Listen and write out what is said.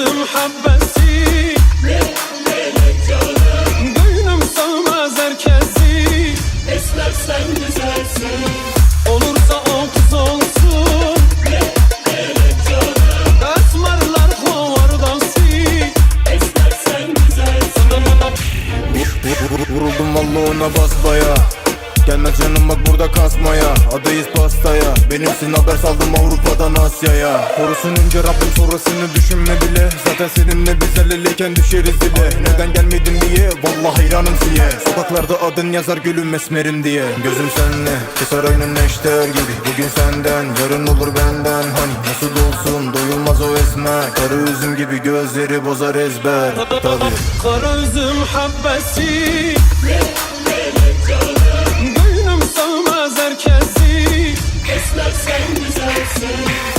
üzüm habbesi, melek canım, gönlüm sığmaz herkesi. esmer sen güzelsin. Olursa o kız olsun, Melek canım, esmerler kovardası. esmer sen güzelsin. Vuruldum valla ona basbaya. Gelmez canım bak burada kasmaya. Adayız pastaya. Benimsin haber saldım Avrupa'dan Asya'ya. Korusun önce Rabbim sonrasını düşünme bile. Zaten seninle biz el eleyken düşeriz dile. Neden gelmedin diye vallahi hayranım siye. Sokaklarda adın yazar gülüm esmerim diye. Gözüm senle keser aynen neşter gibi. Bugün senden yarın olur benden. Hani nasıl olsun doyulmaz o esmer. Karı üzüm gibi gözleri bozar ezber. Tabii. Kara üzüm habbesi, Melek canım, gönlüm sığmaz herkesi. esmer sen güzelsin.